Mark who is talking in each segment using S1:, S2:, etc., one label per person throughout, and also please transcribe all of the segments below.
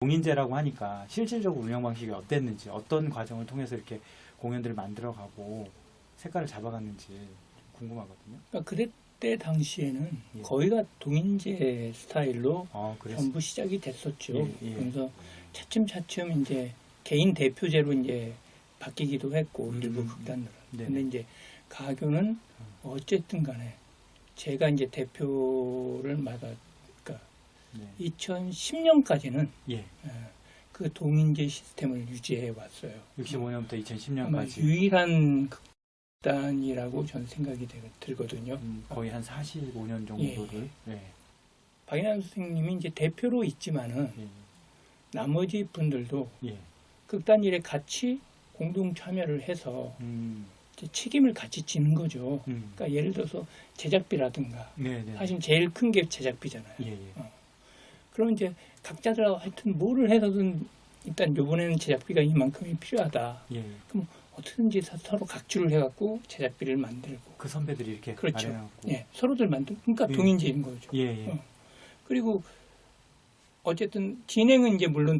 S1: 동인제라고 하니까 실질적으로 운영 방식이 어땠는지, 어떤 과정을 통해서 이렇게 공연들을 만들어가고 색깔을 잡아갔는지 궁금하거든요.
S2: 그러니까 그때 당시에는
S1: 예.
S2: 거의가 동인제 스타일로
S1: 그래서
S2: 전부 시작이 됐었죠.
S1: 예, 예.
S2: 그래서 차츰차츰 이제 개인 대표제로 이제 바뀌기도 했고 일부
S1: 음.
S2: 극단들은.
S1: 네네.
S2: 근데 이제 가교는 어쨌든 간에 제가 이제 대표를 그러니까
S1: 네.
S2: 2010년까지는
S1: 예.
S2: 그 동인제 시스템을 유지해 왔어요.
S1: 65년부터
S2: 아마
S1: 2010년까지
S2: 유일한 극단이라고 저는 생각이 들거든요.
S1: 거의 한 45년 정도를. 예.
S2: 박인환 선생님이 이제 대표로 있지만은
S1: 예.
S2: 나머지 분들도
S1: 예.
S2: 극단 일에 같이 공동 참여를 해서 이제 책임을 같이 지는 거죠. 그러니까 예를 들어서 제작비라든가
S1: 네네.
S2: 사실 제일 큰 게 제작비잖아요.
S1: 예, 예.
S2: 그럼 이제 각자들 하여튼 뭐를 해서든 일단 이번에는 제작비가 이만큼이 필요하다.
S1: 예.
S2: 그럼 어떻게든지 서로 각주를 해갖고 제작비를 만들고.
S1: 그 선배들이 이렇게
S2: 그렇죠.
S1: 마련하고.
S2: 예, 서로들 만들고. 그러니까
S1: 예.
S2: 동인제인 거죠.
S1: 예, 예.
S2: 그리고 어쨌든 진행은 이제 물론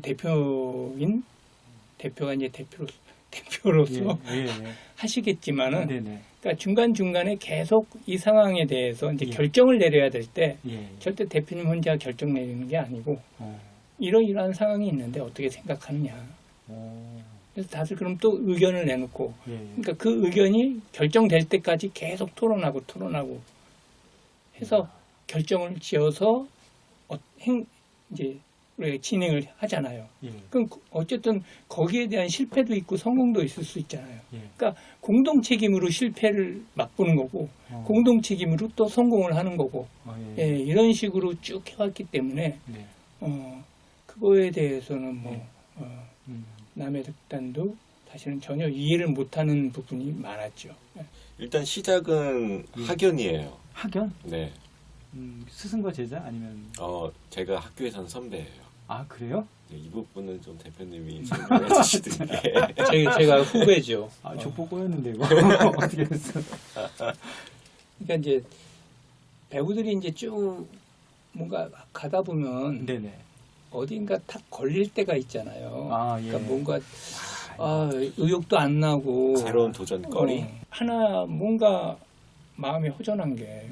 S2: 대표가 이제 대표로서
S1: 예, 예, 예.
S2: 하시겠지만은,
S1: 네네.
S2: 그러니까 중간 중간에 계속 이 상황에 대해서 이제
S1: 예.
S2: 결정을 내려야 될 때
S1: 예.
S2: 절대 대표님 혼자 결정 내리는 게 아니고
S1: 어.
S2: 이러이러한 상황이 있는데 어떻게 생각하느냐. 그래서 다들 그럼 또 의견을 내놓고,
S1: 예, 예.
S2: 그러니까 그 의견이 결정될 때까지 계속 토론하고 해서 결정을 지어서 이제 우리가 진행을 하잖아요.
S1: 예.
S2: 그럼 어쨌든 거기에 대한 실패도 있고 성공도 있을 수 있잖아요.
S1: 예.
S2: 그러니까 공동 책임으로 실패를 맛보는 거고 공동 책임으로 또 성공을 하는 거고
S1: 예.
S2: 예, 이런 식으로 쭉 해왔기 때문에
S1: 네.
S2: 그거에 대해서는 뭐
S1: 음.
S2: 남의 극단도 사실은 전혀 이해를 못하는 부분이 많았죠.
S3: 일단 시작은 학연이에요.
S1: 학연?
S3: 네.
S1: 스승과 제자 아니면
S3: 제가 학교에선 선배예요.
S1: 아 그래요?
S3: 네, 이 부분은 좀 대표님이 설명해 주시는 게.
S2: 제가 후배죠.
S1: 아 족보 꼬였는데 이거 어떻게 했어?
S2: 그러니까 이제 배우들이 이제 쭉 뭔가 가다 보면
S1: 네네.
S2: 어딘가 탁 걸릴 때가 있잖아요.
S1: 아 예.
S2: 그러니까 뭔가 의욕도 안 나고
S3: 새로운 도전거리.
S2: 하나 뭔가 마음이 허전한 게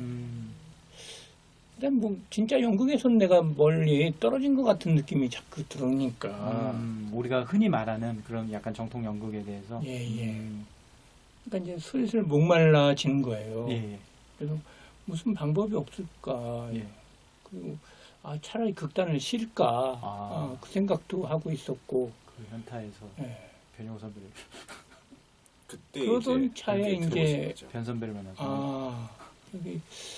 S2: 일단 뭐 진짜 연극에서는 내가 멀리 떨어진 것 같은 느낌이 자꾸 들으니까
S1: 우리가 흔히 말하는 그런 약간 정통 연극에 대해서
S2: 예. 그러니까 이제 슬슬 목말라지는 거예요.
S1: 예.
S2: 그래서 무슨 방법이 없을까.
S1: 예.
S2: 그리고 차라리 극단을 쉴까 그 생각도 하고 있었고
S1: 그 현타에서
S2: 예.
S1: 변효 선배를
S3: 그때
S2: 그러던
S3: 이제
S2: 차에
S3: 연극에
S2: 이제
S3: 들어오신 거죠.
S1: 변 선배를 만나서
S2: 여기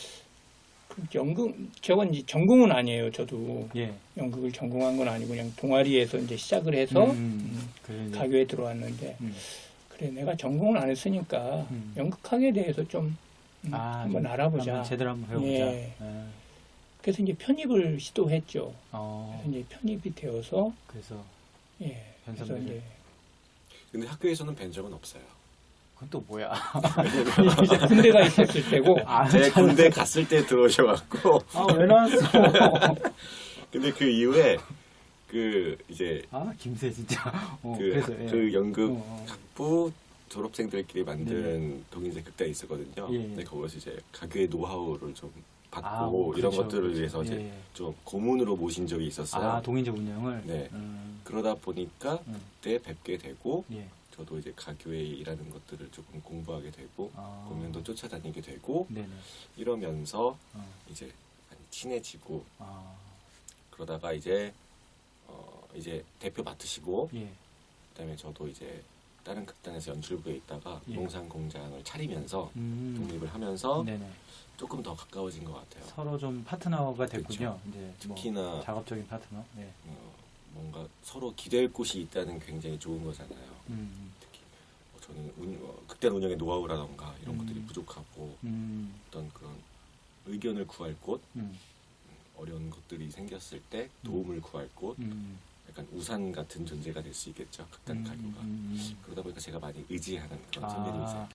S2: 제가 이제 전공은 아니에요. 저도
S1: 예.
S2: 연극을 전공한 건 아니고 그냥 동아리에서 이제 시작을 해서
S1: 그래, 이제.
S2: 가교에 들어왔는데 그래 내가 전공을 안 했으니까 연극학에 대해서 좀 한번
S1: 좀
S2: 알아보자.
S1: 한번 제대로 한번 배워보자.
S2: 예. 그래서 이제 편입을 시도했죠.
S1: 어.
S2: 그래서 이제 편입이 되어서
S1: 그래서
S2: 예.
S1: 변
S2: 그래서
S1: 선배를.
S2: 이제
S3: 근데 학교에서는 뵌 적은 없어요.
S1: 그건 또 뭐야?
S2: 이제 군대가 있었을 때고
S3: 제 군대 갔을 때 들어오셔갖고.
S1: 왜 나왔어?
S3: 근데 그 이후에 이제
S1: 김새 진짜.
S3: 그래서
S1: 예.
S3: 그 연극 학부 졸업생들끼리 만든 동인제 극단이 있었거든요.
S1: 예.
S3: 근데 거기서 이제 가교의 노하우를 좀 받고 이런
S1: 그렇죠,
S3: 것들을
S1: 그렇죠.
S3: 위해서 이제
S1: 예.
S3: 좀 고문으로 모신 적이 있었어요.
S1: 동인제 운영을.
S3: 네. 그러다 보니까 그때 뵙게 되고
S1: 예.
S3: 저도 이제 가교에 일하는 것들을 조금 공부하게 되고 공연도 쫓아다니게 되고
S1: 네네.
S3: 이러면서 이제 많이 친해지고 그러다가 이제 대표 맡으시고
S1: 예.
S3: 그다음에 저도 이제 다른 극단에서 연출부에 있다가
S1: 예.
S3: 농산 공장을 차리면서 독립을 하면서
S1: 네네.
S3: 조금 더 가까워진 것 같아요.
S1: 서로 좀 파트너가 됐군요.
S3: 그렇죠.
S1: 이제
S3: 특히나
S1: 뭐 작업적인 파트너. 네.
S3: 뭔가 서로 기댈 곳이 있다는 굉장히 좋은 거잖아요. 특히 저는 극단 운영의 노하우라던가 이런 것들이 부족하고 어떤 그런 의견을 구할 곳, 어려운 것들이 생겼을 때 도움을 구할 곳, 약간 우산 같은 존재가 될 수 있겠죠. 극단 가교가. 그러다 보니까 제가 많이 의지하는 그런 선배님이세요.